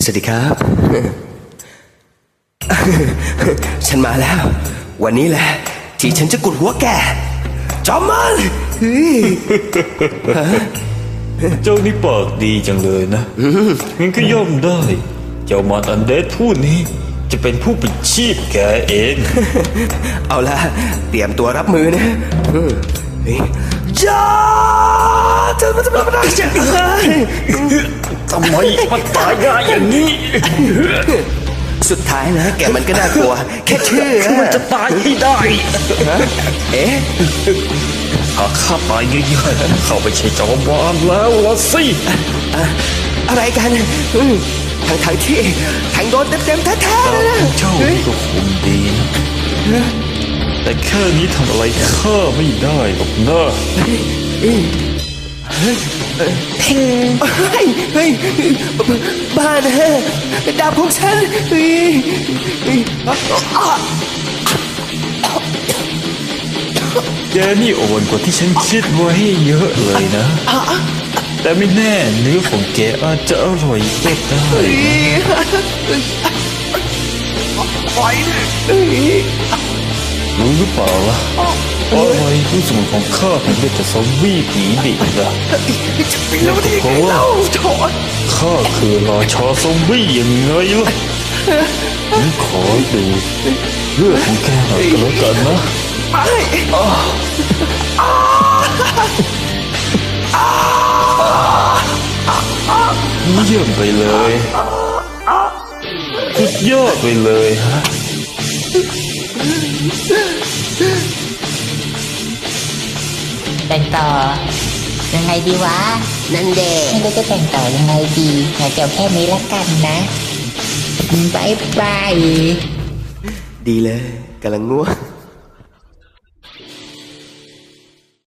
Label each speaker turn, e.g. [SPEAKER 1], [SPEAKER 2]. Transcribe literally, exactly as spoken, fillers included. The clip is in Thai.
[SPEAKER 1] สวัสดีครับ ฉันมาแล้ววันนี้แหละที่ฉันจะกุดหัวแกจอมมัน
[SPEAKER 2] เจ้านี่ปากดีจังเลยนะงั้นก็ย่อมได้เจ้ามารอันเดดผู้นี้จะเป็นผู้ปิดชีพแกเอง
[SPEAKER 1] เอาละเตรียมตัวรับมือนะจ้าจะมาทำอะไรไม่ได้จะ
[SPEAKER 2] ทำไมมันตายง่ายอย่างนี้
[SPEAKER 1] สุดท้ายนะแกมันก็น่ากลัวแค่ชื่อ
[SPEAKER 2] มันจะตายให้ได้
[SPEAKER 1] เอ๊ะ
[SPEAKER 2] หากข้าตายง่ายๆเข้าไปใช้จอมวานแล้วละสิ
[SPEAKER 1] อะไรกันทั้งทั้งที่แทงโดนเต็มๆแท้ๆเลยนะ
[SPEAKER 2] เจ้านี่ก็คงดีนะแต่แค่นี้ทำอะไรข้าไม่ได้หรอกนะ
[SPEAKER 1] เพ่งเฮ้ยเฮ้ยบ้านะดาบของฉันเฮ้ย
[SPEAKER 2] แกนี่อ่อนกว่าที่ฉันคิดไว้เยอะเลยนะแต่ไม่แน่เนื้อของแกอาจจะอร่อยก็ได้รู้หรือเปล่าล่ะอะไรรู้สมุนของข้าถึงได้จะซอมบี้ผีดิบล่ะเพราะว่าข้าคือราชาซอมบี้ยังไงล่ะฉันขอดูเลือดของแกหน่อยก็แล้วกันนะเยี่ยมไปเลยสุดยอดไปเลยฮะ
[SPEAKER 3] แต่งต่อยังไงดีวะ
[SPEAKER 1] นั่นเด็ก
[SPEAKER 3] ไม่รู้จะแต่งต่อยังไงดีขอจบแค่นี้ละกันนะบายบาย
[SPEAKER 1] ดีเลยกำลังง่วง